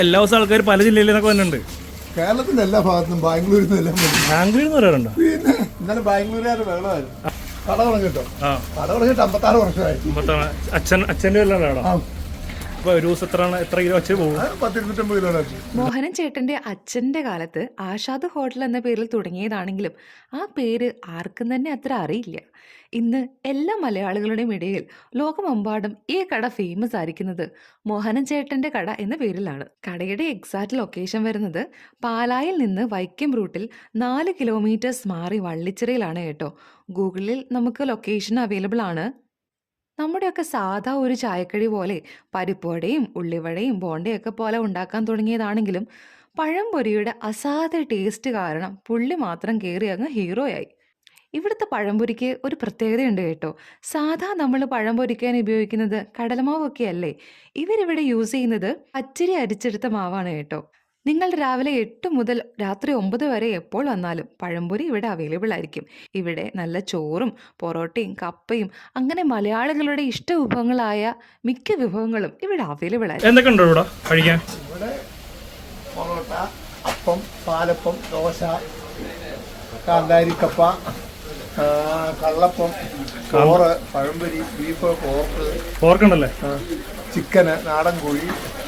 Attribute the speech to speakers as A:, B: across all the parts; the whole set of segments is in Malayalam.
A: എല്ലാ ദിവസവും ആൾക്കാർ പല ജില്ലയിൽ നിന്നൊക്കെ വന്നിട്ടുണ്ട്.
B: കേരളത്തിന്റെ എല്ലാ ഭാഗത്തും ബാംഗ്ലൂരിൽ നിന്ന്
A: ബാംഗ്ലൂരിൽ നിന്ന് വരാറുണ്ടോ?
B: പിന്നെ ഇന്നലെ ബാംഗ്ലൂരുകാർ വെള്ളമായിരുന്നു. കട തുടങ്ങിട്ടോ, കട തുടങ്ങിയിട്ട് 56 വർഷമായി.
A: അച്ഛൻ്റെ വല്ലാണോ? അപ്പൊ ഒരു ദിവസം എത്ര കിലോ വെച്ച് പോകും?
B: 10-250 കിലോ.
C: മോഹനൻ ചേട്ടന്റെ അച്ഛന്റെ കാലത്ത് ആഷാദ് ഹോട്ടൽ എന്ന പേരിൽ തുടങ്ങിയതാണെങ്കിലും ആ പേര് ആർക്കും തന്നെ അത്ര അറിയില്ല. ഇന്ന് എല്ലാ മലയാളികളുടെയും ഇടയിൽ ലോകമെമ്പാടും ഈ കട ഫേമസ് ആയിരിക്കുന്നത് മോഹനൻ ചേട്ടന്റെ കട എന്ന പേരിലാണ്. കടയുടെ എക്സാക്ട് ലൊക്കേഷൻ വരുന്നത് പാലായിൽ നിന്ന് വൈക്കം റൂട്ടിൽ 4 കിലോമീറ്റേഴ്സ് മാറി വള്ളിച്ചിറയിലാണ് കേട്ടോ. ഗൂഗിളിൽ നമുക്ക് ലൊക്കേഷൻ അവൈലബിൾ ആണ്. നമ്മുടെയൊക്കെ സാധാ ഒരു ചായക്കടി പോലെ പരിപ്പുവടയും ഉള്ളിവടയും ബോണ്ടയൊക്കെ പോലെ ഉണ്ടാക്കാൻ തുടങ്ങിയതാണെങ്കിലും പഴംപൊരിയുടെ അസാധ്യ ടേസ്റ്റ് കാരണം പുള്ളി മാത്രം കയറി അങ്ങ് ഹീറോയായി. ഇവിടുത്തെ പഴംപൊരിക്ക് ഒരു പ്രത്യേകതയുണ്ട് കേട്ടോ. സാധാ നമ്മൾ പഴം പൊരിക്കാൻ ഉപയോഗിക്കുന്നത് കടലമാവൊക്കെ അല്ലേ, ഇവരിവിടെ യൂസ് ചെയ്യുന്നത് പച്ചരി അരിച്ചെടുത്ത മാവാണ് കേട്ടോ. നിങ്ങൾ രാവിലെ 8 മുതൽ രാത്രി 9 വരെ എപ്പോൾ വന്നാലും പഴംപൊരി ഇവിടെ അവൈലബിൾ ആയിരിക്കും. ഇവിടെ നല്ല ചോറും പൊറോട്ടയും കപ്പയും അങ്ങനെ മലയാളികളുടെ ഇഷ്ട വിഭവങ്ങളായ മിക്ക വിഭവങ്ങളും ഇവിടെ അവൈലബിൾ ആയിരിക്കും.
A: എന്തൊക്കെ ഉണ്ടോ ഇവിടെ കഴിക്കാൻ?
B: ഇവിടെ പൊറോട്ട, അപ്പം, പാലപ്പം, ദോശ, കാന്താരിക്കപ്പ, കള്ളപ്പം, ചോറ്, പഴംപൊരി, ബീഫ്,
A: പോർക്കുണ്ടല്ലേ,
B: ചിക്കന്, നാടൻ കോഴി,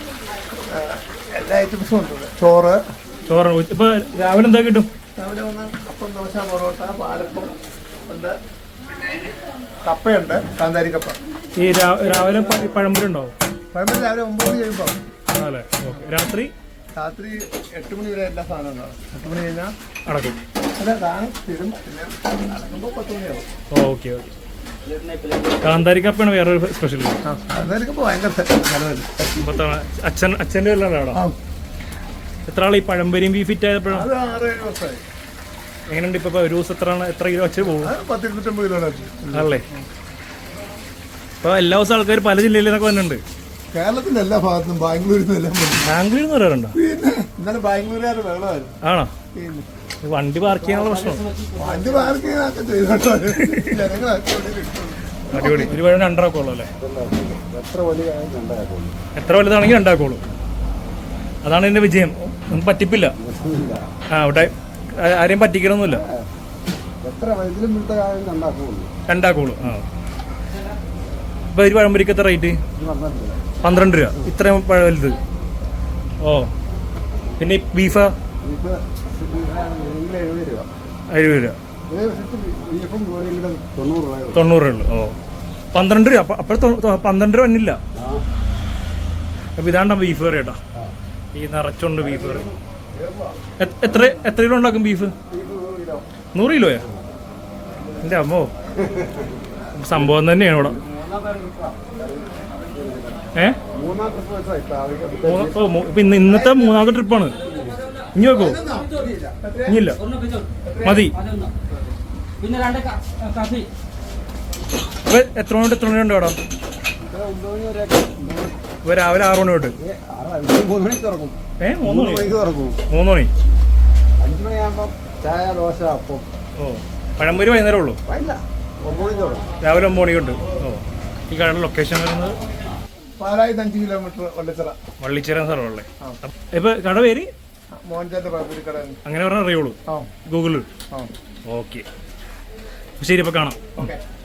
B: എല്ലാ ഐറ്റംസും ഉണ്ട്. ചോറ്.
A: ഇപ്പൊ രാവിലെ എന്താ കിട്ടും?
B: രാവിലെ വന്ന് അപ്പം, ദോശ, പൊറോട്ട, പാലപ്പം ഉണ്ട്, കപ്പയുണ്ട്, കാന്താരിക്കപ്പ.
A: ഈ രാവിലെ പഴംപൊരി ഉണ്ടാവും?
B: പഴംപൊരി രാവിലെ 9 മണി കഴിയുമ്പോൾ.
A: രാത്രി
B: 8 മണി വരെ എല്ലാ സാധനവും ഉണ്ടാവും. 8 മണി കഴിഞ്ഞാൽ
A: അടക്കും.
B: അല്ല, സാധനം തരും. പിന്നെ അടക്കുമ്പോൾ 10 മണിയാവും.
A: Okay okay. കാന്താരിക്കപ്പാണ് വേറൊരു സ്പെഷ്യൽ.
B: കാന്താരിക്കപ്പ ഭയങ്കര ചെലവല്ലേ.
A: അച്ഛൻ്റെ വല്ലാണോ? എത്ര ആൾ ഈ പഴംപൊരിയും ബീഫിറ്റ് ആയപ്പോഴാണ്?
B: അത് 6-7 വർഷമായി.
A: എങ്ങനെയുണ്ട് ഇപ്പൊ ഒരു ദിവസം എത്ര കിലോ വെച്ച് പോകും?
B: 10-250 കിലോ
A: ആണല്ലേ. ഇപ്പൊ എല്ലാ ദിവസവും ആൾക്കാർ പല ജില്ലയിൽ നിന്നൊക്കെ വന്നിട്ടുണ്ട്.
B: കേരളത്തിന്റെ എല്ലാ ഭാഗത്തും ബാംഗ്ലൂരിൽ നിന്നെല്ലാം.
A: ബാംഗ്ലൂരിൽ നിന്ന് വരാറുണ്ടോ?
B: പിന്നെ ഇന്നലെ ബാംഗ്ലൂരുകാർ വെള്ളമായിരുന്നു.
A: ആണോ? വണ്ടി പാർക്ക് ചെയ്യാനുള്ള പ്രശ്നം?
B: വണ്ടി പാർക്ക് ചെയ്യാനൊക്കെ ചെയ്തോട്ടോ.
A: അടിപൊളി. ഒരു വഴി 2 ആക്കുള്ളൂ അല്ലേ? എത്ര വലുതാണെങ്കിൽ 2 ആക്കുള്ളൂ. അതാണ് എന്റെ വിജയം. ഒന്നും പറ്റിപ്പില്ല. അവിടെ ആരെയും പറ്റിക്കണമൊന്നുമില്ല. 2 ആക്കുള്ളൂ. ഇപ്പൊ ഒരു പഴംപൊരിക്ക് എത്ര റേറ്റ്? 12 രൂപ. ഇത്രയും വലുത്. ഓ, പിന്നെ ബീഫാ? 70 രൂപ. 90 ഉള്ളു. ഓ, 12 രൂപ. അപ്പോൾ 12 രൂപ വന്നില്ല. അപ്പൊ ഇതാണ്ട ബീഫ് കറി കേട്ടോ. ഈ നിറച്ചുണ്ട് ബീഫ് കറി. എത്ര കിലോ ഉണ്ടാക്കും ബീഫ്? 100 കിലോയാ? എൻ്റെ അമ്മോ, സംഭവം തന്നെയാണ് ഇവിടെ. ഇപ്പൊ ഇന്നത്തെ 3ാമത്തെ ട്രിപ്പാണ്. ഇനി വെക്കോ? ഇനിയില്ല, മതി. എത്ര മണി ഉണ്ട് അവിടെ? ഇപ്പൊ രാവിലെ 6 മണി തൊട്ട് 3 മണി. 3 മണി.
B: 5 മണിയാകുമ്പോൾ ചായ, ദോശ, അപ്പം.
A: ഓ, പഴംപൊരി വൈകുന്നേരം ഉള്ളൂ? രാവിലെ 9 മണിക്കുണ്ട്. ഓ, ഈ കടയുടെ ലൊക്കേഷൻ വരുന്നത്
B: പാലായിൽ 5 കിലോമീറ്റർ
A: വള്ളിച്ചിറ സ്ഥലമല്ലേ? ഇപ്പൊ കട പേര്
B: മോഹൻചാന്റെ പഴംപൊരി കട.
A: അങ്ങനെ പറഞ്ഞാൽ അറിയുള്ളൂ ഗൂഗിളിൽ. ഓക്കെ, ശരി, ഇപ്പൊ കാണാം.
B: ഓക്കെ.